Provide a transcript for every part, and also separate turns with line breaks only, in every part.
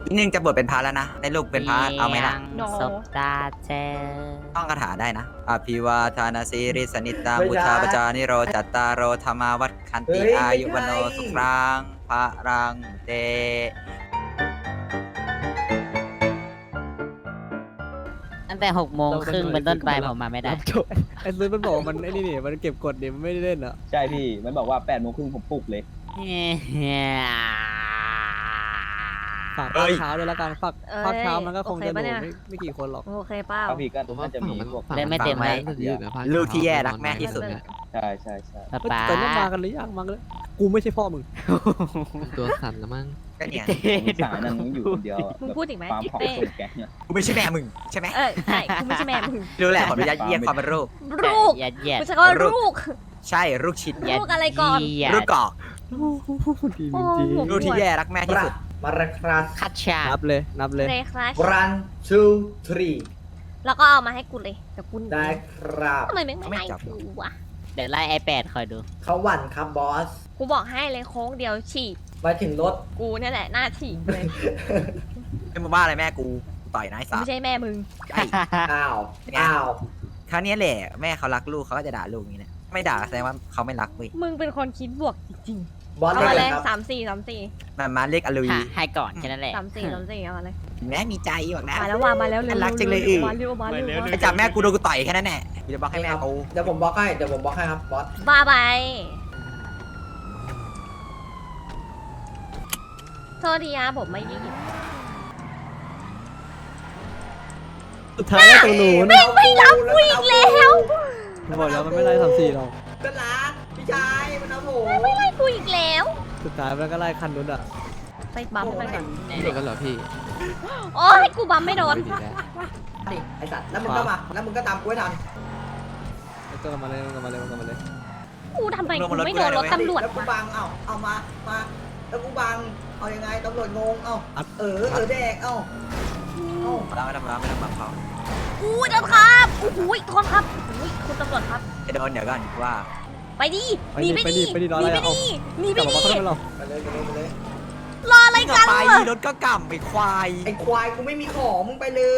นึงจะบวชเป็นพระแล้วนะได้ลูกเป็นพระเอาไหมล่ะ
โน
ศพตาเจอ
ต้องคาถาได้นะอภิวาทานาสีริสนิตา
ไม่
บุ
ใช่
ชาปจานิโรจัตตารโรธรรมาวัดคันติ
เฮ้ย
อายุวโน
ไม่ใช่
สุขังพระรังเต
ตั้งแต่6 โมงครึ่งเป็นต้นไปผมมาไม่ได้
จบไอ้ซื้อมันบอกว่ามันไอ้นี่นี่มันเก็บกดเนี่ยมันไม่ได้เล่นอ่ะ
ใช่พี่ มันบอกว่า8 โมงครึ่งผมปลุกเลย
ฝาก
เอ้ย
เช้าด้วยแล้วกันฝาก
เอ้ย
ภาคเช้ามันก็คงจะ
โอเคปะ
หนู
เนี่ย
ไม่กี่คนหรอก
โอเคเปล่า
ก็พี่ก็น่าจะมีพวก
เล่นไม่เต็มไหม
ลูกที่แย่รักแม่ที่สุด
ใช่ใช่ใช่
ป๊า
เฮ้ย
ป๊า
แต่ต้องมากันหรือยังมากันเลยกูไม่ใช่พ่อมึง
ตัวสั่นแล้วมั้ง
ก็เนี่ย
มีสายนั้นอยู่คนเดียวอะ
มึงพูดอีกไหม
ฟาร์มของ
เต้
คนแก๊งเนี่ย
กูไม่ใช่แม่มึงใช่ไหม
ใช่กูไม่ใช่แม่มึง
รู้แหละขออนุญาตเยี่ยมความเป็นลูก
ลูก
ยัดเยียด
กูจะก็ลูก
ใช่ลูกชิ้น
ลูกอะไรก่อน
ยัด
ลูกกอก
ดี
โอ้
จริง
โห
ลูกที่แย่รักแม่ที่สุด
มาราคราส
คัดฉา
ๆนั
ก
บเลยนับเลย
เลยคลาส
one two three
แล้วก็เอามาให้กูเลยเดี๋ยวกูหนี
ได้ครับ
ทำไมไม่ไล่
ไม่จับ
กูวะ
เดี๋ยวไล่ไอ8คอยดู
เขาหวั่นครับบอส
กูบอกให้เลยโค้งเดียวฉีก
มาถึงรถ
กูเนี่ยแหละหน้าฉีกเลย
ไม่มาว่าอะไรแม่กูต่อยนาย
กู
สา
ไม่ใช่แม่มึง
ใช่
อ้าว
เป็นไง
อ้าว
คราวนี้แหละแม่เขารักลูกเขาก็จะด่าลูกอย่างนี้แหละไม่ด่าแสดงว่าเขาไม่รักเว้ย
มึงเป็นคนคิดบวกจริง
บอ
ๆ
ส
เอา
ได้
มา
เล
เลย ย
ครับ
3-4
มันมาเรียกอลุย
ให้ก่อนแค่นั้นแหละ
3-4เอามาเลย
แม่มีใจบอกนะ
มาแล้วมาแล้วเร็ว
รักจังเลย
มาเร็วมาเร็ว
ไปจับแม่กูโดนกูต่อยแค่นั้นแหละกูจะบอกให้แม่กู
เดี๋ยวผมบล็อกให้เดี๋ยวผมบล็อกให้ครับบอส
บ้าไปโทษทีนะผมไม่ได้หยิบ
สุดท้ายแล้วตรงหนูน
ไม่รับกูอีกแล้ว
บอกแล้วมันไม่ไล่34หรอก
ก็รักพี่ชายมันเอาผม
ไม่ไล่กูอีกแล้ว
สุดท้ายมันก็ไล่คันนู้นอ่ะ
ไปบัมไปก่อน
เด็กกันเหรอพี่
โอ้ยกูบัมไม่โดน
ไม่ดีแล้ว
นี่ไอ้สัตว์แล้วมึงก็มาแล้วมึงก็ตามกูให้ทัน
ก็กลับมาเลยกลับมาเลยกลับมาเลย
กูทำไมกูไม่โดนรถตำรวจ
แล้วกู
วะ
บังเอามาแล้วกูบังเอายังไงตำรวจงงเออแดกเอ้า
เราไม่ทำร้ายไม่ทำบังเขา
กูโดนครับโอ้โหโทษครับโอ้ยคุณตำรวจครับ
จะโดนเดี๋ยวก่อนว่า
ไปดิหนีไปดิ
ไปดิ
ห
รอ
นี
อะไร
ไป
เอา
ดิหนี
ก
ไป
ลับมา
ดิ
เขาทำไมเรา
ไปเลย
รออะไร
กลั
กับ น
ไป
วะ
รถก็กล่ำไปควาย
ไอ้ควายกูไม่มีของมึงไปเลย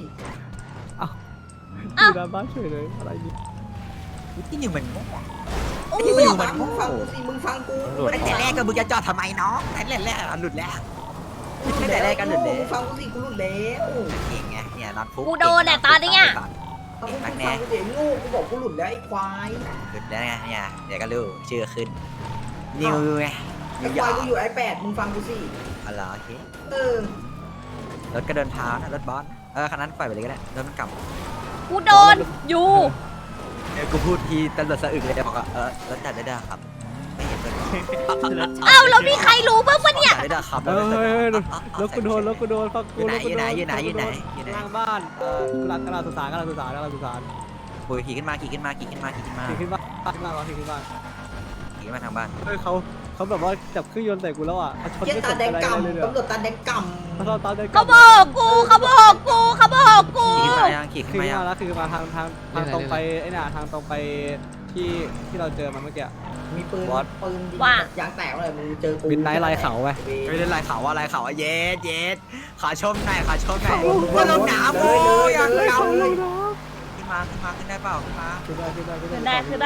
อยู่หน้าบ้านเฉยเลยอะไรนี่
ที่หนึ่งมัน
โอ้
ที่
โห
หนึ่งมัน
มึงฟังกูสิมึงฟังกู
ตั้งแต่แรกก็มึงจะจอดทำไมน้องตั้งแต่แรกหลุดแล้วตั้งแต่แรกก็หลุดแล้ว
มึงฟังกูสิกูหลุดแล้ว
เก่งไงเนี่ยนัดฟุก
กูโดนแต่ตอนเนี้ย
มึงฟังกูสิงูกูบอกกูหลุดแล้วไอ้ควาย
หลุดแล้วไงเนี่ยเดี๋ยวก็รู้ชื่อขึ้นนิวไง
ไอ้ควายกูอยู่ไอ้8มึงฟังกูสิ
อะไรโอเค
เออ
รถก็เดินเท้านะรถบอสคันนั้นปล่อยไปเลยก็ได้รถมันกลับ
กูโดนอยู่
กูพูดทีตำรวจสะอึกเลยบอกว่ารถจัดได้ด้วยครับไม่เห็นเลย
เอ้าแล้วมีใครรู้บ้างปะเนี่ย
จัดได้ด้วยครับ
เฮ้ยรถกูโดนรถกูโดนฟัง
อ
กู
ยู่ไหน
รถกู
อยู่
โด
ไหน
น
อยู่ไหนอยู่ไหนอยู่ไหน
ล่างบ้านกำลังสุสาน
ปุยขี่ขึ้นมาขี่ขึ้นมาขี่ขึ้นมาขี่ขึ้นมา
ขี่ขึ้นบ้านขึ้นบ้านขี่ขึ้นบ้าน
ขี่มาทางบ้าน
เฮ้ยเขาแบบว่าจับเครื่องยนต์ใส่กูแล้วอ่ะเขาชน
เหี้ยั
ไม่
ตา
สน
แดง
อะไร
ก
เลย
ำ
เนี่ย
ตำรวจตาแดงก
เขาตามได้
เขาบอกกูเขาบอกกูเขาบอกกู
ขี่ขึ้นมายังขี่ขึ้
คื
น
อ
มายัง
มาแล้วคือมาทางตรงไปไอ้น่ะทางตรงไปที่เราเจอมาเมื่อกี้
ำมีปืน
บอส
ปืนยางแตกเลยมึงเจอกู
บินไนท์ลายเขาไป
ไม่ได้ลายเขาว่าลายเขาเย็ดเย็ดขาชมหน่อยขาชมหน่อยว่าลงหนาวโอ้ยยังเก่าขึ้นมาขึ้นได้เปล่าขึ้นมา
คือได้
คือได้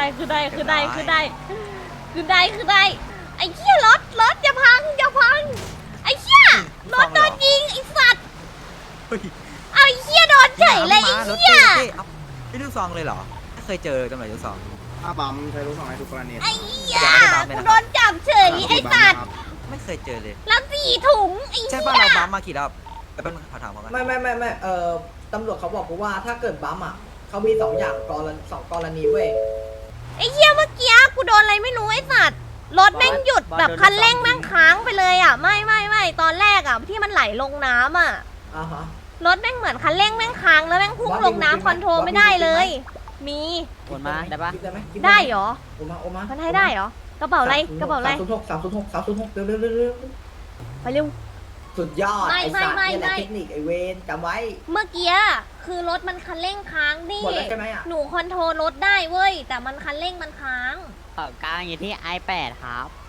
ไอ้เหี้ยรถอย่าพังไอ้เหี้ยรถโดนยิงไอ้สัตว์
เฮ้ย
เอาไอ้เหี้ยโดนเฉยเลยไอ้เหี้ย
ไม่ลูกซองเลยเหรอไม่เคยเจอตำรวจลูกซอง
ถ้าบัมใช้ลูกสองให้ทุกกรณี
ไอ้เหี้ยกูโดนจับเฉยไอ้สัตว์
ไม่เคยเจอเลย
แล้ว4 ถุงไอ้
ใช่
เหี้
ป่ะ
ย
เราบัมมากี่รอบแต่เป็นขอถามเขากัน
ไม่ตำรวจเขาบอกกูว่าถ้าเกิดบัมเขามี2อย่าง2กรณีเว้ย
ไอ้เหี้ยเมื่อกี้กูโดนอะไรไม่รู้ไอ้สัตว์รถแม่งหยุดแบบคันเร่งแม่งค้างไปเลยอ่ะไม่ตอนแรกอ่ะที่มันไหลลงน้ำอ่ะ
ฮะ
รถแม่งเหมือนคันเร่งแม่งค้างแล้วแม่งพุ่งลงน้ำคอนโทรลไม่ได้เลย มี
โอนมาได้ปะ
ได้ไหม
ได้เหรอ
โอมา
มันให้ได้เหรอ กระเป๋าอะไร กระเป๋าอะไร
306เร็ว
ไปเร็ว
สุดยอด
ไม่
ไอ้สัตว์
ไม่
นี่แหละ
ไม่
เทคนิคไอเวนจำไว้
เมื่อกี้คือรถมันคันเร่งค้างนี่
หมดแล้วใช่ไหมอ่ะ
หนูคอนโทรลรถได้เว้ย แต่มันคันเร่งมันค้าง
ของกลางอยู่ที่ i8 ครับ
ไอ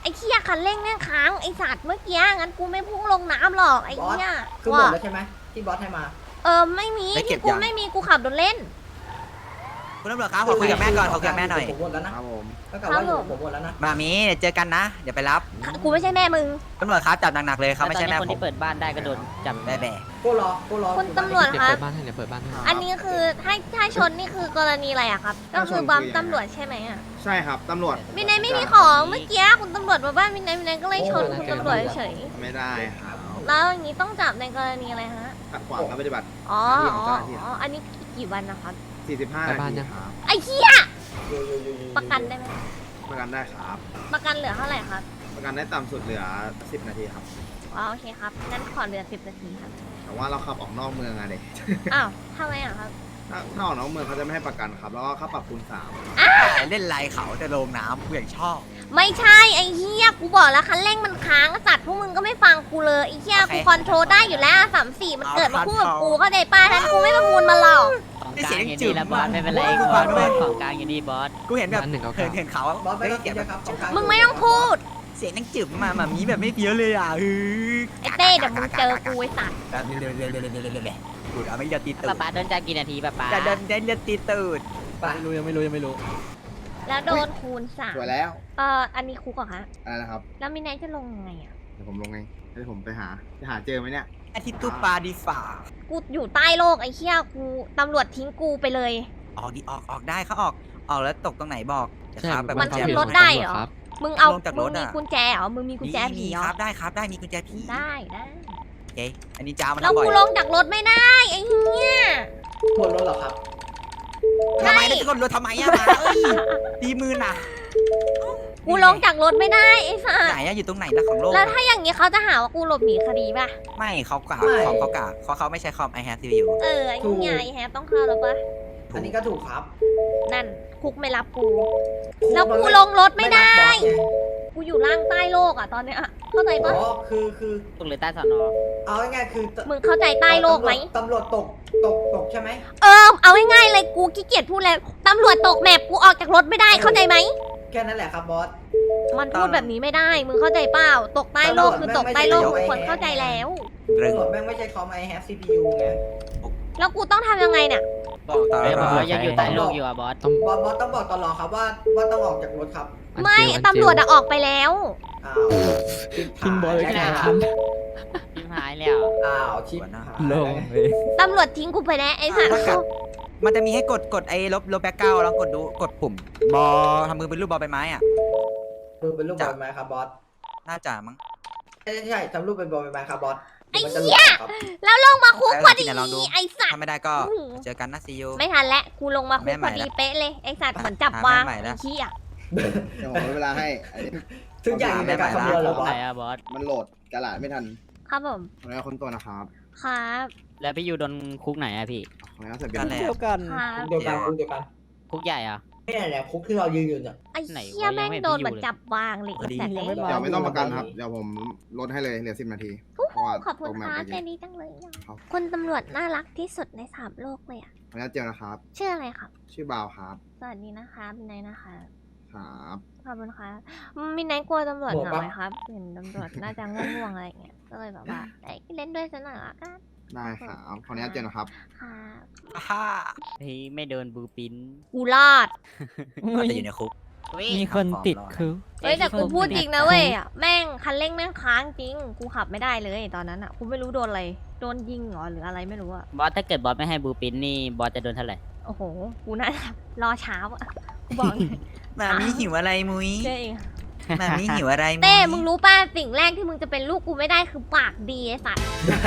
อ้เหี้ยคันเร่งแม่งค้างไอ้สัตว์เมื่อกี้งั้นกูไม่พุ่งลงน้ำหรอกไอ้เหี้ย
คือหมดแล้วใช่ไหมที่บอสให้มา
ไม่มี
ได้เก็
ที่
บ
กู
ยัง
ไม่มีกูขับรถเล่น
คุณตำรวจครับขอคุยกับแม่ก่อนขอคุยกับแม่หน่อย
ผมหมดแล้วนะครับ
ผม
ก็กลับว่าอยู่ผมหมดแล้วนะ
มามีเจอกันนะ เดี๋ยวไปรับ
กูไม่ใช่แม่มึง
ตำรวจครับจับหนักๆเลยเขาไม่ใช่แม่
คน
ผม
ที่เปิดบ้านได้ก็โดนจับ
แบ่
กูรอ
คุณตำรวจ
เดี๋ยว
คะ
เปิดบ้านให้เดี๋ยวเปิดบ้านให้
อันนี้คือถ้าชนนี่คือกรณีอะไรอะครับ ก็คือบัมตำรวจใช่ไหมอะ
ใช่ครับตำรวจ
มินไนไม่มีของเมื่อกี้คุณตำรวจมาบ้านมินไนก็เลยชนคุณตำรวจเฉย
ไม่ได้ครับ
แล้วอย่างนี้ต้องจับในกรณีอะไรฮะ
ขัดขวางการปฏิบัติ
อ๋อ
หน้าที่ของเจ้าหน้าที่
อันนี้กี่วันนะครับ
45 นาทีครับ
ไอ้เหี้ยประกันได้ไหม
ประกันได้ครับ
ประกันเหลือเท่าไหร่ครับ
ประกันได้ต่ำสุดเหลือ 10 นาทีครับ
อ๋อโอเคครับงั้นขอเหลือ10 นาทีครับ
แต่ว่าเราขับออกนอกเมืองอะเด็ก
อ้าวทำไมอะครับ
ถ้าออกนอกเมืองเขาจะไม่ให้ประกันครับ แล้วก็ค่าปรับคูณ
เล่นไรเขาจะลงน้ำกูอย่างชอบ
ไม่ใช่ไอ้เหี้ยกูบอกแล้วคันเร่งมันค้างสัตว์พวกมึงก็ไม่ฟังกูเลยไอ้เหี้ย
โอเค
กูคอนโทรลได้อยู่แล้ว34มันเกิดมาคู่กับกูเข้าใจป้าท่านกูไม่ประมูลมาหรอก
ของกลางอยู่นี่แล้วบอสไม่เป็นไรบอสของกลางอยู่นี่บอส
กูเห็นแบบ
อันหนึ่งเก้า
เห็
เก้าน
เห็นเขา
บอสไม่ต้อง
เก็
เก็
บบ แบบ
นะครับของกลาง
มึงไม่ต้องพูด
เสียงนั่งจืบมามีแบบไม่เพี้ยเลยอ่ะ
ไอ้เต้เดี๋ยวมึงเจอกูไอ้สัตว์
กูเอาไม่ยอตีตู
ป๊า
ด
ป๊าโดนจับกี่นาทีป๊าป๊า
จะเดินได้เลือดตีตูด
ยังไม่รู้
แล้วโดนคูณ
3สวยแล้ว
อันนี้คุกเหรอคะ
อะไรนะครับ
แล้วมินไนท์จะลงยังไงอะ
เดี๋ยวผมลงเองเดี๋ยวผมไปหาเจอไหมเนี่ย
อาทิตย์ตูปลาดีฝ่า
กูอยู่ใต้โลกไอ้เหี้ยกูตำรวจทิ้งกูไปเลย
ออกดิออกได้เขาออกแล้วตกตรงไหนบอกจะครับแบบ
มันขึ้นรถได้เหรอ มึงเอา
ลงจากร
มึ
ถ
งมี
อะ
กุญแจเหรอมึงมีกุญแจผี
มี
เหรอ
ครับได้มีกุญแจผี
ได้
โอเคอันนี้จ้ามัน
แล้ว
บ่อ
กู
ย
ลงจากรถไม่ได้ไอ้เหี้ย
หมดรถเหรอครับ
ใช่
ทำไมแล้วจะกดรถทำไมอะมาเอ้ยดีมือน่ะ
กูลงจากรถไม่ได้ไอ้สัส
ไหนอะอยู่ตรงไหนล่ะของโลก
แล้วถ้าอย่างนี้เขาจะหาว่ากูหลบหนีคดีป่ะ
ไม่เขากะ
ไม่
คอมเขากะเขาไม่ใช้คอม I have CPU
ไอ้เหี้ยไอ้แฮปต้องเข้าแล้วปะ
อันนี้ก็ถูกครับ
นั่นคุกไม่รับกู แล้วกูลงรถไม่ได้ กูอยู่ล่างใต้โลกอ่ะตอนเนี้ยเข้าใจ
อ๋
ปะ
อคือ
ตรงหรือใต้สอนอ
เอาง่ายๆคือ
มึงเข้าใจใต้โลกไหม
ตำรวจตกใช่ไหม
เอาง่ายๆเลยกูขี้เกียจพูดแล้วตำรวจตกแมพกูออกจากรถไม่ได้เข้าใจไหม
แค่นั้นแหละครับบอส
มันพูดแบบนี้ไม่ได้ มึงเข้าใจเปล่า ตกใต้โลกคือตกใต้โลกทุกคนเข้าใจแล้ว
เรื่อง
ตำรวจแม่งไม่ใช่คอม I have CPU ไง
แล้วกูต้องทำยังไงเนี่ย
บอกต่อ
เฮ้ยบอ
ว่า
สยังอยู่ใต้โลกอยู่อ่ะบอส
บอสต้องบอกตลอดครับว่าต้องออกจากรถครับ
ไม่ตำรวจอะออกไปแล้ว
อ้าว
ทิ้งบอสไว้
ชิ
กลาง
หาย
คัน
ทิมหายแล้ว
อ้าวชิปหาย
ลงเลย
ตำรวจทิ้งกูไปแล้วไอ้สัส
มันจะมีให้กดไอ้ลบแบ็กเก้าแล้วกดปุ่มบอทำมือเป็นรูปบอใบไม้อ่ะ
คือเป็นรูปบอลไหมครับบอส
น่าจะมั้ง
ใช่ทำรูปเป็นบอลไหมครับบอส
ไอ้
มันจะ
เหี้ย
ครับ
แล้วลงมาคุกพอดี
เดี๋ยวลองดู
ไอ้สัส
ถ้าไม่ได้ก็เจอกันนะซีอู
ไม่ทันแล้วกูลงมาคุก
แม่ให
พ
ม่
อดี
ละ
เป๊ะเลยไอ้สัตว์เหมือนจับวาง
แม่ใหม่ละ
ไอ้เหี้ย
เดี๋ยวผมลดเวลาให้
ทุกอย่างอยู่ในการคำนวณแล้วบอ
ไหน
ส
อะบอส
มันโหลดกระดาษไม่ทัน
ครับผม
ขออนุญาตค้นตัวนะครับ
ครับ
แล้วพี่อยู่โดนคุกไหนอะพี่
ขออนุญาตเสร็จเบีย
นั่
ร์
นแหละ
เดียวกัน
ครับ
เดียวกันคุกเดียวกัน
คุกใหญ่อะ
นี่แหละคุกที่เรายืนอยู่เนี่ย
ไอ้
ไหนวะ
เหี้ยแม่ง
ยังไม่เห็น
โดน
พี่อยู่
เหมือน
เลย
จับวางเลยไอ้สัตว์
ยัง
เลย
ไม่มา
เดี๋ยวไม่ต้องประกันครับ เดี๋ยวผมลดให้เลยเหลือ 10 นาทีเพราะว่า
ขอบคุณ
ตรงแม
ค
ป
รับ
เมื่อ
ใจ
กี้
ดีจังเลยอะ
ครับ
คนตำรวจน่ารักที่สุดในสามโลกเลยอะ
ขออนุญาตเจลนะครับ
ชื่ออะไรครับ
ชื่อบาวครับ
สวัสดีนะคะมินไนท์นะคะ
ครับ
ขอบคุณค่ะมินไนท์กลัวตำรวจเหงาไหมครับเห็นตำรวจน่าจะง่วงๆอะไรอย่างเงี้ยก็เลยแบบว่าเล่นด้วยสักหน่อยละกัน
ได้ครับ ขออนุญาตเจลนะครับ
ค่ะ
ฮ่า
พี่ไม่โดนบูปิน
กูรอด
อาจจะอยู่ในคุก
มีคนติดคุก
เฮ้ยแต่กูพูดจริงนะเว้ยอะแม่งคันเร่งแม่งค้างจริง กูขับไม่ได้เลยตอนนั้นอะกูไม่รู้โดนอะไร โดนยิงเหรอหรืออะไรไม่รู้อะ
บอสถ้าเกิดบอสไม่ให้บูปินนี่บอสจะโดนเท่าไหร่
โอ้โห กูน่าจะรอเช้าอะกูบอกเลย
มามีหิวอะไรมุ้ย
เจ๊เอง
มามีหิวอะไรมุ้ย
เต้มึงรู้ป่ะสิ่งแรกที่มึงจะเป็นลูกกูไม่ได้คือปากดีไอ้สัตว์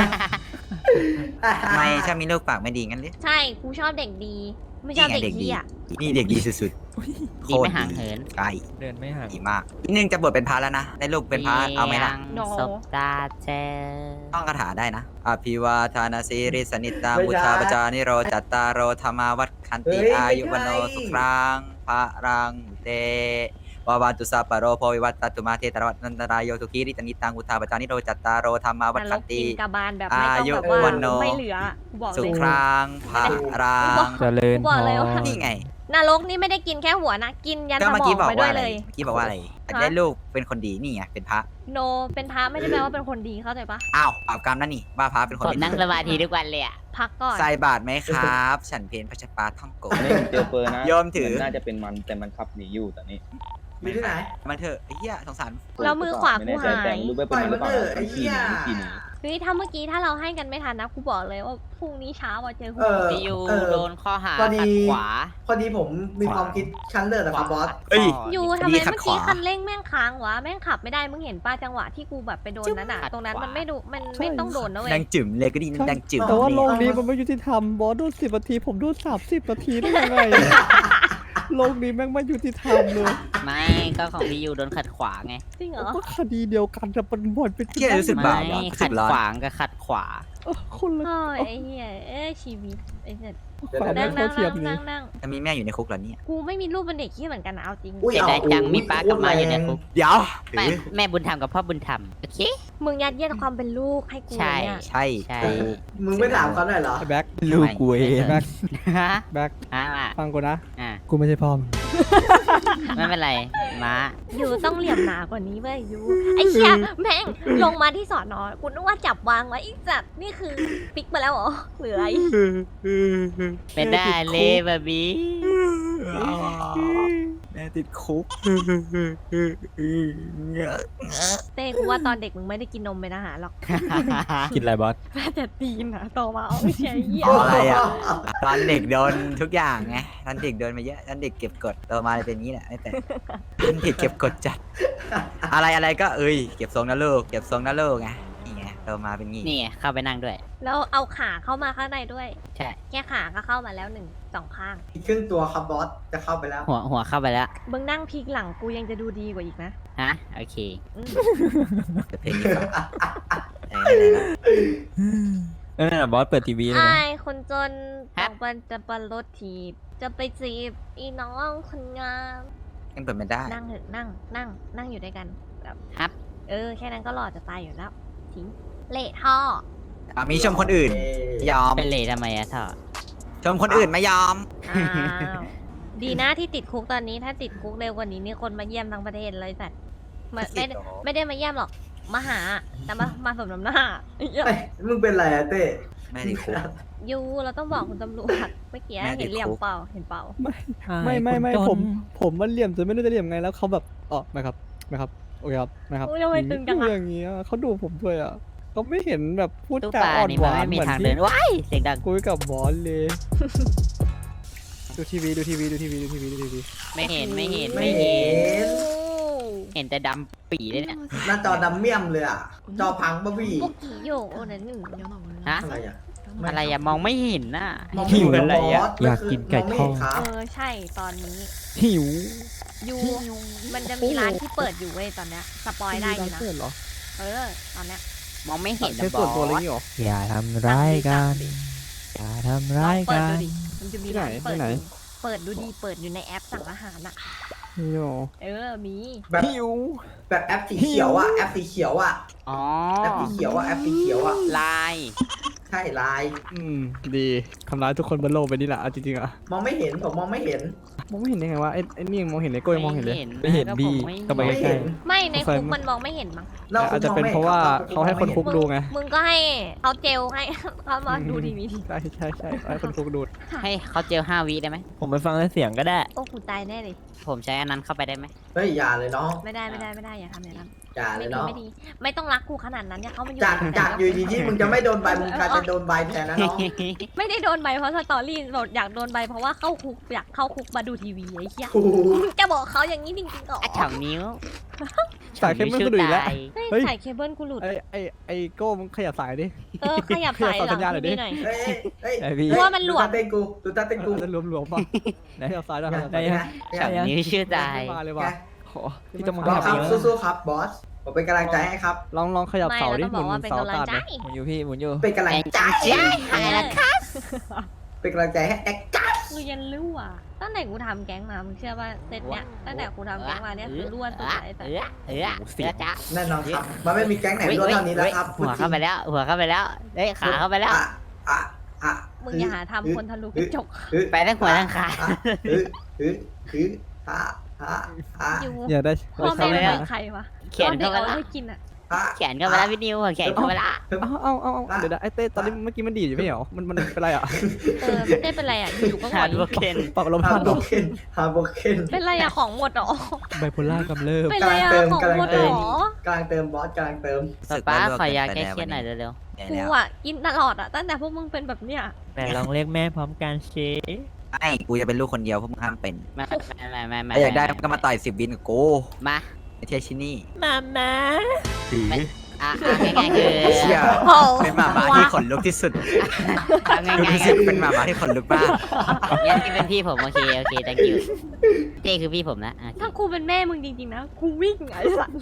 ทำไมชอบมีลูกปากไม่ดีงั้นหรือ
ใช่ กูชอบเด็กดี ไม่ชอบเด็ก
นี่ไงเด็กดี
เหี้ย
นี่เด็กดีสุดๆ
ดีไม่ห่างเหิน
ใช่
เดินไม่ห่าง
ดีมากอีกนึงจะบวชเป็นพระแล้วนะได้ลูกเป็นพระเอาไหมล่ะ
ยังศพตาเจ
ต้องคาถาได้นะอภิวาทานาสีริสนิตาบุชาปจานิโรจัตตารโรธรรมาวัดคันติอายุวโนสุครังพระรังเตวาวาตุสาปะโรโพวิวัตตตุมาเทตระวัตนันตรายโยทุกีริตนิตังอุทาปจานิโรจัตตารโรธรรมาวัฏ
นร
ขั
ก
น
กิ
ติ
นกาบาลแบบไม่ต้อง
อายุ
แบบว่า
วันโน
ไม่เหลือกูบอก
สุ
เลย
ครางพาราง
เจริญ บอกเลยว่า
นี่ไง
นรกนี่ไม่ได้กินแค่หัวนะ กินยัน
ก็
ส
เมื่อ
มอ
กี้
ง
บอก
ไปด้
ว่า
วย
อะไร
เลย
เมื่อกี้บอกว่าอะไรอยาก
ฮะ
ได้ลูกเป็นคนดีนี่ไงเป็นพระ
โนเป็นพระไม่ได้แปลว่าเป็นคนดีเข้าใจปะ
อ้าวบาปกรรมนั่นนี่ว่าพระเป็นคน
ผม
ดี
นั่งสมาธิทุกวันเลยอ่ะ
พักก่อน
ใส่บาตรไหมครับ ฉันเพนพระชปาท่องโก
ไม่มีเจลเปอร์นะ
โยมถือ
นน่าจะเป็นมันแต่มันขับหนีอยู่ตอนนี้
มีที่ไหน
มันเถอะไอ้เหี้ยสงสาร
แล้วมือขวา
ไม่
กู
แน่ใจ
หา
แต่
ย
ไม่รู้ว่าเป็นมันหรือเปล่า
ปล่อยมันเถอะไอ้
มันขี่
เหี้
ห
ย
นีขี่หนี
เฮ้ยถ้าเมื่อกี้ถ้าเราให้กันไม่ทันนะกูบอกเลยว่าพรุ่งนี้เช้าอะเจอกู
พี่ยูโดนข้อหา
พอดี
ขัดขวา
พอดีผมมีความคิดชั้นเลิศอะครับบอส
เอ้ย
ยูทำ
ดี
ไม
ขัด
เมื่อกี้
ขวา
คันเร่งแม่งค้างวะแม่งขับไม่ได้มึงเห็นป้าจังหวะที่กูแบบไปโดนนั้นอะ
ขัด
ตรงนั้น
ขวามั
มันไม่ดูมันไม่ต้องโดนนะเว้ย
ดังจึ๋มเลยก็ดีนะดังจึ๋ม
แต่ว่าโล
เลย
กนี้มันไม่ยุติธรรมบอสโดน10 นาทีผมโดน30 นาทีได้ยังไงโลกนี้แม่งไม่ยุติธรรมเลย
ไม่ก็ของพี่ยูโดนขัดขวาไง
จริงเหรอ
ก็คดีเดียวกันแต่มันบ่นเป็น
เหี้ยรู้สึก
ไม่
บาปว่ะรู้สึ
ขัด
กร้อน
ขวางกับขัดขวา
คนละ
โอ้ยไอ้เหี้ยชีวิตไอ้เหี้ย
ความ
นั่
ไม่
ง
เท่า
นั่ง
เทียม
นั่
นี้
งนั่ง
จะมีแม่อยู่ในคุกเหรอเนี่ย
กูไม่มีรูปเป็นเด็กที่เหมือนกันนะเอาจริง
อุ้ย
เสียดายจังมีป้ากับม้าอยู่ในคุก
เดี๋ยว
แม่
ถือ
แม่บุญธรรมกับพ่อบุญธรรมโอเค
มึงยัดเยียดความเป็นลูกให้กู
ใช่
เนี่ย
ใช่
ใช่
มึงไม่ถามเขาหน่อยเหรอ
ไอ้แบ็ค
ลูกกูเอง
แบ็ค
ฮะ
แบ็ค
อ่ะ
ฟังกูนะ
อ่ะ
กูไม่ใช่พ่อมึง
ไม่เป็นไรม้า
ยูต้องเหลี่ยมหนากว่านี้เว้ยยูไอ้เชี่ยแม่งลงมาที่สอนอกูนึกว่าจับวางไว้อีสัตว์นี่คือปิกมาแล้วเหรอหรืออะไร
เป็นได้เลยบะบี
แม่ติดคุก
เต้กูว่าตอนเด็กมึงไม่ได้กินนมเป็นอาหารหรอก
กินอะไรบอส
แม่แต่ตีนอะโตมาเอาไม่ใช่เหี้ย
เอาอะไรอ่ะตอนเด็กโดนทุกอย่างไงตอนเด็กโดนมาเยอะตอนเด็กเก็บกดโตมาเลยเป็นอย่างนี้แหละไม่แต่ตอนเด็กเก็บกดจัด อะไรก็เอ้ยเก็บทรงนะลูกเก็บทรงนะลูกไงนี่ไงโตมาเป็นงี้
นี่ไงเข้าไปนั่งด้วย
แล้วเอาขาเข้ามาข้างในด้วย
ใช่
แค่ขาก็เข้ามาแล้ว2 ข้าง
อีกครึ่งตัวครับบอส จะเข้าไปแล้ว
หัวเข้าไปแล้ว
มึงนั่งพลิกหลังกูยังจะดูดีกว่าอีกนะ
ฮะโอเค
อืม
เพลงนี้ก่อนไหนๆ
นั่นน่ะบอสเปิดทีวีเลย
ไอ้
นะ
คนจน
ฮะ
ต้องปันจะปันรถถีบ จะไปจีบอีน้องคนงาม
ๆยังเปิดไม่ได้
นั่งเถอะนั่งอยู่ด้วยกันแบบ
ครับ
แค่นั้นก็หล่อจะตายอยู่แล้วทิ้งเละท่อ
มีชมคนอื่นยอม
เป็นเลยทำไมอะท่อ
ชมคนอื่นไม่ยอม
อ้าวดีนะที่ติดคุกตอนนี้ถ้าติดคุกเร็วกว่านี้นี่คนมาเยี่ยมทั้งประเทศเลยสัตว์ไม่ได้มาเยี่ยมหรอกมาหาแต่มาสมน้ำหน้า
เฮ้ยมึงเป็นไรอะเต้
แม่ติดคุก
ยูเราต้องบอกคุณตำรวจเมื่อกี้
แม่ติดคุก
เห็นเหลี่ยมเปล่าเห็นเปล่า
ไม่ผมมันเหลี่ยมจนไม่รู้จะเหลี่ยมไงแล้วเขาแบบอ๋อไม่ครับโอเคครับนะครับ
อุ๊ยทำไมตึงจังอะ
อย่างเงี้ยเขาดูผมด้วยอ่ะเขาไม่เห็นแบบพูด
ตู้
จา
ปลา
อ่อน
นี่
ห
มัน
วาน
ไม่มี
เหมือน
ทาง
ที่
เดินว้ายเสียงดัง
คุยกับบอสเลย ดูทีวี
ไม่เห็น
ไม่เห็น
เห็นแต่ดำปีเลยเนี่ย
หน้าจอดำเมี่ยมเลยอ่ะ จอพังบะบี้
พวกกี่โยโอ้นั่นหนึ่ง
ฮะ
อะไรอ่ะ
อะไรอะมองไม่เห็นน่ะ
มองไม่เห็นบอส
อยากกินไก่ทอด
มงไม่เห็นครับ
ใช่ตอนนี้
หิว
ยูมันจะมีร้านที่เปิดอยู่เว้ยตอนเนี้ยสปอยได้อยู่นะ
เปิดเหรอ
ตอนเนี้ย
มองไม่เห็น
ใช้ส่วนตัวอะไรอย่างงี้เหรอ
อย่าทำร้ายกัน อย่าทำร้าย
เปิด
กั
ดู
น
ดิมันจะมีร้าน
ที่
เปิด
ไหน
อยู่เปิดดูดีเปิดอยู่ในแอปสั่งอาหารอ่ะ
นี่หรอ
มี
แบบ
หิว
แบบแอปสีเขียวอ่ะ แอปสีเขียวอ่ะ
อ๋อ
แอปสีเขียวอ่ะ แอปสีเขียวอ่ะ
ลาย
ใช่ลาย
ดีทำร้ายทุกคนบนโลกไปนี่แหละเอาจริงๆอะ
มองไม่เห็น ผมมองไม่เห็น
มองไม่เห็นได้ไงวะไอ้นี่ยังมองเห็นเลยโก้ยังมองเห็นเลย
ไม่เห็น
บี
ก็ผมไม่
ก็ไป
ไม่
ใกล้
เห็น
ไม่ใน
สงสัย
คุกมันมองไม่เห็นมั้ง
เรา
อาจจะเป็นเพราะว่าเขาให้คนคุกดูไง
มึงก็ให้เขาเจลให้ เขามาดูทีวี
ใช่ให้คนคุกดู
ให้เขาเจล5 วิได้ไหม
ผมไปฟังเสียงก็ได้
โอ้กูตายแน่เลย
ผมใช้อันนั้นเข้าไปได้ไหม
เฮ้ยอย่าเลยน้อง
ไม่ได้อย่าทำอย่างนั้น
อย่าเล
ไม่
ย
ดี
น้อง
ไม่ดี ไม่ต้องรักกูขนาดนั้นอย่าเข้ามาอยู่
จากอยู่ดีที่มึงจะไม่โดนใบมึงกลายเป็นโดนใบแทนนะน้อง
ไม่ได้โดนใบเพราะสตอรี่บอกอยากโดนใบเพราะว่าเข้าคุกอยากเข้าคุกมาดูทีวีไอ้เหี้ย
โอ้โห
มึงจะบอกเขาอย่างนี้จริงๆเหรอ
อ่ะสองนิ้ว
สายเคเบิลก็ดูอีกแล้ว
เฮ้ย
เฮ้ย
สายเคเบิลกูหลุด
ไอ้โก้มึงขยับสายดิ
ขยับสาย
ขยับ
หลั
สัญญาณ
ง
หน่อยดิ
ทีวีหน่อย
เฮ้ยเฮ้ย
ไอพี่
เพราะว่ามันหลวม
ดูตาเต้นกูดูตาเต้นกู
จะรวมๆป่ะไหนขยับซ้ายด้วยขยับ
ได้
ซ้าย
ยัง
สองนิ้วชื่อใจ
ไม่มาเลยว่ะขอที่จะมา
บอส
ข
ค
ยั
รั
บบ
สู้ๆครับบอส ผมเป็นกำลังใจให้ครับ
ลองขยับ
ไม่
เสา
เรา
ดิ
ต้อง
ห
บ
มุ
อก
น
ว่าเป็น
เสาก
ำลัง
ตาด
ใจ
ดิ
หมุนอยู่พี่หมุนอยู่
เป็นกำลังใจ
อะไรล่ะคะ
เป็นกำลังใจให้แอคกัส
กูยันรั่วตั้งแต่กูทำแก๊งมามึงเชื่อว่าเซตเนี้ยตั้งแต่กูทำแก๊งมาเนี่ยคือรั่วสุดไอ้สัส
จ้า
แน่นอนครับ มันไม่มีแก๊งไหนรวดเท่านี้แล้วครับ
หัวเข้าไปแล้ว หัวเข้าไปแล้วเฮ้ยขาเข้าไปแล้ว
อ่ะ
มึงอย่าหาทำคนทะลุกระจก
ไปทั้งหัวทั้งขา
อยู่
อย่าได้
พ่อแม่
ไม่
มึง
ได้
เป็นใครวะ
เขียน
พ่อเด็
เข้าก ไป
เอา
แล้ว
ให้กินอ่ะ
เขียนเข้าไปแล้วพี่นิวเขียนเข้าไปแล้ว
เอาเดี๋ยวนะไอ้เต้ตอนนี้เมื่อกี้มันดีดอยู่ไม่เหรอมันเป็นไรอ่ะ
ไม่ได้เป็นไรอ่ะอยู่ๆก็หง
หา
อย
ดโบเคน
ปรับลม
ฮา
พัด
โบเคนฮาโบเคน
เป็นไรอ่ะของหมดเหรอ
ไบโพล่ากำเริบ
เป็นไรอ่ะของหมดเหรอก
ำลังเติมบอสกำลังเติม
ป้าขอยาแก้เครียดหน่อยเร็ว
กูอ่ะกินตลอดอ่ะตั้งแต่พวกมึงเป็นแบบเนี้ย
แต่ลองเรียกแม่พร้อมกันเช
ไม่กูจะเป็นลูกคนเดียวพวกมึงห้ามเป็น
ๆไม่
ถ้าอยากได้ก็มาต่อย10 วินกับกู
มา
ไอ้เทียชินี่
มามา
ง่ายๆคือ
เชี่ย
โอ้
เป็นหมาม้าที่ขนลุกที่สุด
ง่าย
ดูสิเป็นหมาม้าที่ขนลุกมาก
ๆงั้นที่เป็นพี่ผมโอเค thank you เจ้คือพี่ผมนะโอเค
ถ้ากูเป็นแม่มึงจริงๆนะกูวิ่งไอ้สัส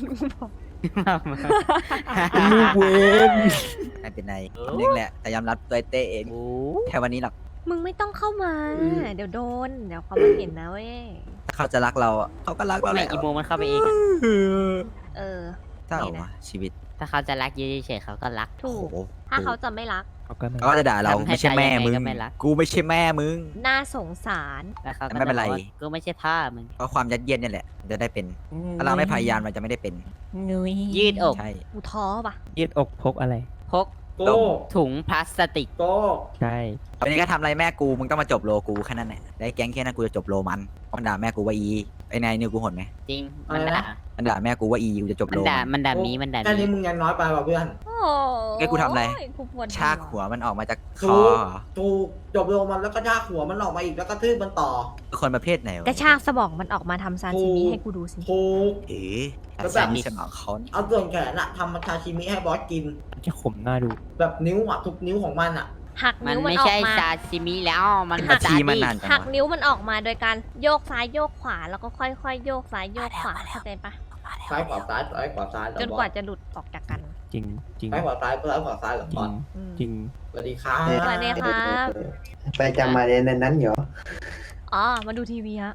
ลูกเวน
ไม่เป็นไรนึงแหละแต่ยอมรับตัวเต้เองแค่วันนี้หรอก
มึงไม่ต้องเข้ามา เดี๋ยวโดนเดี๋ยวเขามาเห็นนะเว้ย
ถ้าเขาจะรักเราอะเขาก็รักเราแห
ไม่
ละ
อีโมมันเข้าไปเองอะ
เออ
เศร้าวะชีวิต
ถ้าเขาจะรักยืดเฉยๆเขาก็รัก
ถู
โอ้
ก
โห
ถ้าเขาจะไม่รัก
เอากัน
เขาก็จะด่าเรา
ทำให้
ไม่ใช่แม่มึง
ใจยังไงก็ไม่รัก
กูไม่ใช่แม่มึง
น่าสงสาร
แล้วเขาก็
ไม่เป็นไร
จะบอกว่ากูไม่ใช่พ่อมึง
เพราะความยัดเยียดเนี่ยแหละจะได้เป็นถ้าเราไม่พยายามเราจะไม่ได้เป็น
นุย
ยืดอก
ใช่
กูท้อปะ
ยืดอกพกอะไร
พก
โก้
ถุงพลาสติก
โก้
ใช่
วันนี้ก็ทำอะไรแม่กูมึงต้องมาจบโลกูแค่นั้นแหละได้แก๊งแค่นั้นกูจะจบโลมันมันด่าแม่กูว่าอีไอ้นายนิวกูหดไหม
จริง มันด่า
มันด่าแม่กูว่าอีกูจะจบ
มัน
โล
ด่า
มัน
มันด่ามีมันด่า
แค่
มี
นี้มึงยังน้อยไปว่ะเพื่อน
โอ้
แกกูทำอะไร
กูปวด
ชากหัวมันออกมาจากค
ถู
อก
ถูกจบลงมันแล้วก็ชากหัวมันออกมาอีกแล้วก็ทืบมันต่อ
คนประเภทไหนวะ
กระชากสมองมันออกมาทำซาซิมิให้กูดูสิ
ถูก
เอ๋
แล้ว
แบ
แบบ บ
มีสมองเขาเนี่ย
เอาส่วนแขนอะทำมาชาชิมิให้บอสกิน
มันจะขมหน้าดู
แบบนิ้วอะทุกนิ้วของมันอะ
หัก
มัน
นิ้วมัน
ไม่
ออ
ใช่
กมา
ซาซิมิแล้วมัน
นาที
ซา
มัน
ดิ
นานจัง
หัก
วะ
นิ้วมันออกมาโดยการโยกซ้ายโยกขวาแล้วก็ค่อยๆโยกซ้ายโยกขวาเข้าใจปะ
ซ้ายขวาซ้ายซ้ายขวาซ้ายเหรอ
จน
บ
ก
อ
ว่า
ส
จะหลุดออกจากกัน
จริงจริง
ซ้ายขวาซ้ายซ้ายขวาซ้ายเหรอ
จ
บ
ริ
อส
ง
อืม
จริง
สวัสดีครับ
สวัสดีครับ
ไปจำมาเรียนในนั้นเหรอ
อ๋อมาดูทีวีฮะ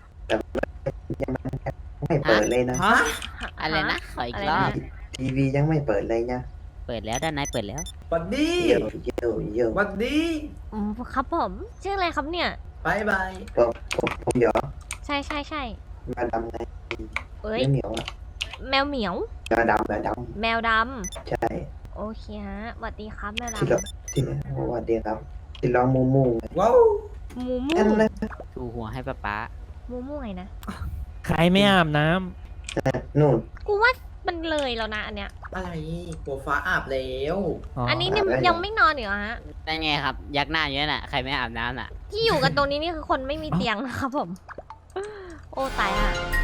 ไม่เปิดเลยนะ
ฮะ
อะไรนะขออีก
อะไร
รอบ
นะ
ทีวียังไม่เปิดเลยนะ
เปิดแล้วด้านในเปิดแล้ว
สวัสดี
เยอะเยอะเยอะ
สวัสดี
อืมครับผมชื่ออะไรครับเนี่ย
บายบาย
ผมเดี๋ยว
ใช่ใช่ใช่
มาดำใน
เอ้ย
เหนียวอะ
แมวเหมียว
มาดำ
แมวด
ใช่
ำโอเคฮะสวัสดีครับแมวด
ที่เราที่สวัสดีครับ ที่ร้องมูมู
ว้าว
ำมูมู
อันนั้น
ถูหัวให้ป๊าป๊า
มูมูไงนะ
ใครไม่อาบน้
นู่น
กูว่ามันเลยแล้วนะอันเนี้ย
อะไรหัวฟ้าอาบแล้ว
ำ
อันนี้เนี่ยยังไม่นอนอีกเหรอฮะ
ได้ไงครับ ยักหน้าเยอะน่ะ ใครไม่อาบน้ำน่ะ
ที่อยู่กันตรงนี้นี่คือคนไม่มีเตียงนะครับผม โอ้ตายอ่ะ